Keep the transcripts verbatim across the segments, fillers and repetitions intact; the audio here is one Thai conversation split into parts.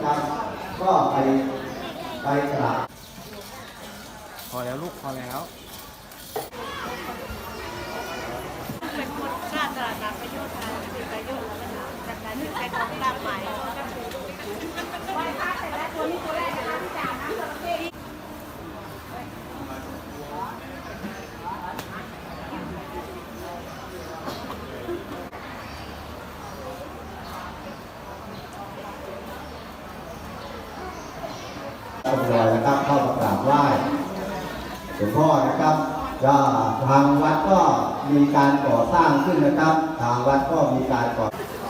นะครับก็ไปไปกราบพอแล้วลูกพอแล้วเป็นคนกล้าตลาดนัดประโยชน์การถือประโยชน์แล้วก็จากนั้นถึงไปของตามหมายไหว้พระเสร็จแล้วตัวนี้ตัวแรกนะคะที่จ่าน้ำจระเข้ตำรวจนะครับเข้ามากราบไหว้หลวงพ่อนะครับก็ทางวัดก็มีการก่อสร้างขึ้นนะครับทางวัดก็มีการก่อ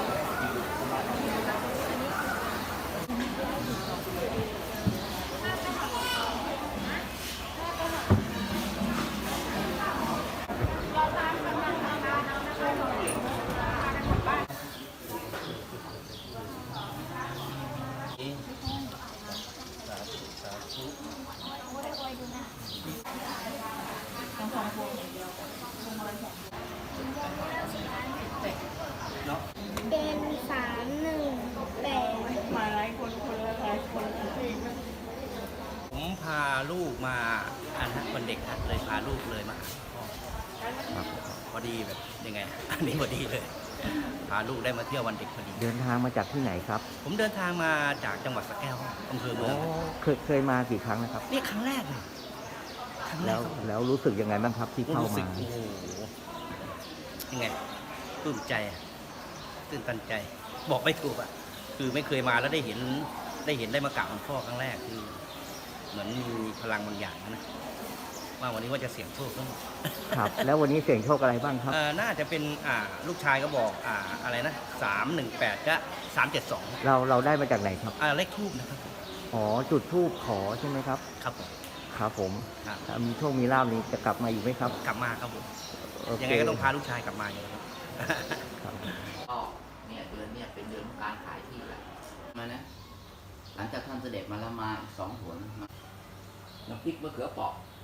เป็นสามหนึ่งแปดมาหลายคนคนละหลายคนที่ผมพาลูกมาอันนั้นวันเด็กนะเลยพาลูกเลยมาพ่อครับพอดีแบบยังไง อันนี้พอดีเลยพาลูกได้มาเที่ยววันเด็กพอดีเดินทางมาจากที่ไหนครับผมเดินทางมาจากจังหวัดสระแก้วอำเภอเมืองเคยเคยมากี่ครั้งนะครับนี่ครั้งแรกเลยครั้งแรแล้กวแล้วรู้สึกยังไงบ้างครับที่เข้ามาโอ้โหยังไงปลื้มใจตื่นตันใจบอกไม่ถูกอ่ะคือไม่เคยมาแล้วได้เห็นได้เห็นได้มากราบหลวงพ่อครั้งแรกคือเหมือนมีพลังบางอย่างนะว่าวันนี้ว่าจะเสี่ยงโชคทั้งหมดครับแล้ววันนี้เสี่ยงโชคอะไรบ้างครับน่าจะเป็นอ่าลูกชายก็บอกอ่าอะไรนะสามหนึ่งแปดก็สามเจ็ดสองเราเราได้มาจากไหนครับอ่าเลขทูบนะครับอ๋อจุดทูบขอใช่ไหมครับครับผมครับผมถ้ามีโชคมีลาภนี้จะกลับมาอยู่ไหมครับกลับมาครับผมยังไงก็ต้องพาลูกชายกลับมาอยู่ครับก็เนี่ยเดือนเนี่ยเป็นเดือนของการขายที่แหละมานะหลังจากท่านเสด็จมาแล้วมาอีกสองหนน้ำพริกมะเขือเปราะ